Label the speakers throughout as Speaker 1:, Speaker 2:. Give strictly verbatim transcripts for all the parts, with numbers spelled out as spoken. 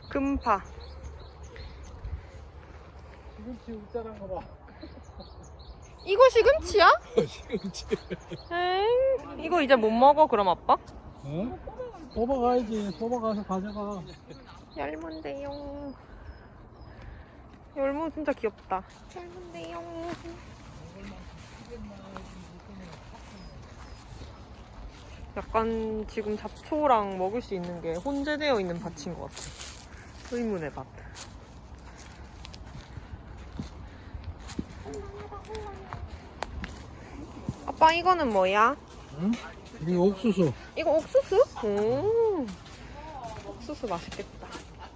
Speaker 1: 금파.
Speaker 2: 시금치 웃자란 거 봐.
Speaker 1: 이거 시금치야?
Speaker 2: 시금치.
Speaker 1: 에이, 이거 이제 못 먹어 그럼 아빠?
Speaker 2: 어? 뽑아가야지. 뽑아가서 가져가.
Speaker 1: 얇은데요. 열무 진짜 귀엽다. 얇은데요. 약간 지금 잡초랑 먹을 수 있는 게 혼재되어 있는 밭인 것 같아. 의문의 밭. 아빠 이거는 뭐야?
Speaker 2: 응? 이게 옥수수.
Speaker 1: 이거 옥수수? 오, 옥수수 맛있겠다.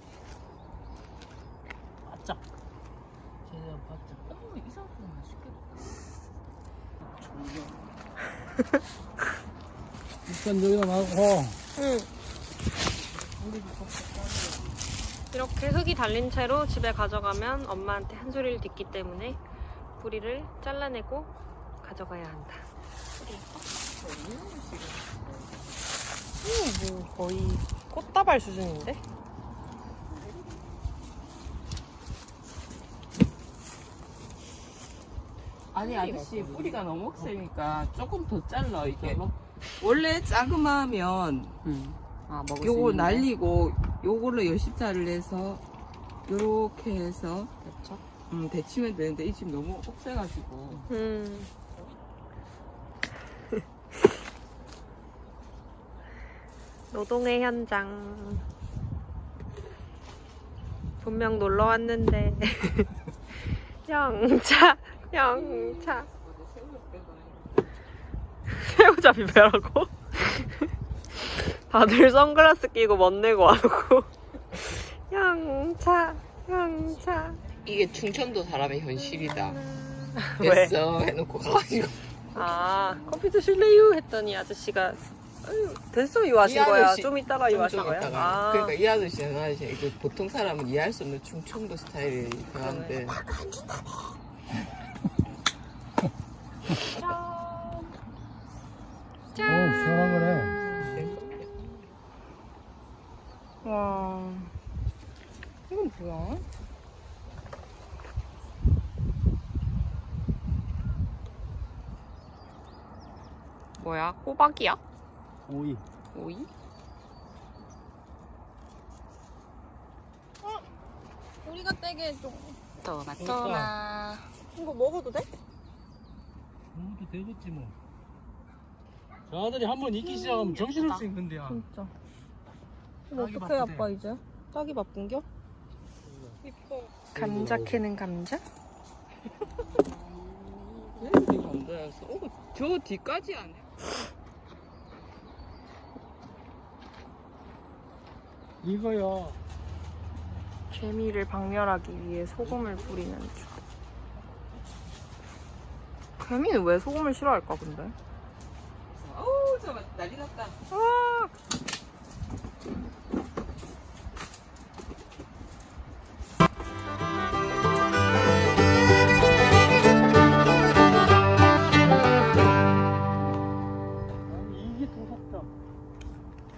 Speaker 2: 바짝. 제대로 바짝.
Speaker 3: 어, 이상하게 맛있겠다.
Speaker 2: 일단 여기다 놔고.
Speaker 1: 응. 이렇게 흙이 달린 채로 집에 가져가면 엄마한테 한 소리를 듣기 때문에 뿌리를 잘라내고 가져가야 한다. 음, 뭐 거의 꽃다발 수준인데?
Speaker 3: 아니 아저씨 뿌리가 너무 세니까 조금 더 잘라 이게. 원래 자그마하면
Speaker 1: 음. 아, 먹을 수
Speaker 3: 요거
Speaker 1: 있는데?
Speaker 3: 날리고 요걸로 열십자를 해서 요렇게 해서
Speaker 1: 그렇죠?
Speaker 3: 음, 데치면 되는데 이 집 너무 억세가지고.
Speaker 1: 음. 노동의 현장. 분명 놀러 왔는데 영차, 영차. 새우잡이 배라고? 다들 선글라스 끼고 멋내고 와놓고 영차, 영차.
Speaker 3: 이게 충청도 사람의 현실이다.
Speaker 1: 왜?
Speaker 3: 됐어 해놓고 가가지고.
Speaker 1: 아, 커피 드실래요? 했더니 아저씨가 아유, 됐어 이와하신
Speaker 3: 이
Speaker 1: 거야.
Speaker 3: 아저씨,
Speaker 1: 좀 이따가 이와하신
Speaker 3: 좀
Speaker 1: 거야.
Speaker 3: 이따가.
Speaker 1: 아,
Speaker 3: 그러니까 이 아저씨는 아저씨 이거 보통 사람은 이해할 수 없는 충청도 스타일이 강한데.
Speaker 2: 오, 시원한 거네.
Speaker 1: 와, 이건 뭐야? 뭐야? 호박이야?
Speaker 2: 오이.
Speaker 1: 오이? 어? 우리가 떼게 해줘. 토마토마. 이거 먹어도 돼?
Speaker 2: 먹어도 되겠지 뭐. 저들이 한번 익기 시작하면 정신을 수 있는데야.
Speaker 1: 진짜. 이거
Speaker 2: 딱이
Speaker 1: 어떡해
Speaker 2: 바쁘대.
Speaker 1: 아빠 이제? 딱이 바쁜겨? 이뻐. 감자 캐는 감자?
Speaker 3: 되게 감자였어. 어, 저 뒤까지 안 해?
Speaker 2: 이거요.
Speaker 1: 개미를 박멸하기 위해 소금을 뿌리는 중. 개미는 왜 소금을 싫어할까 근데?
Speaker 3: 어우, 저 난리 났다.
Speaker 1: 와,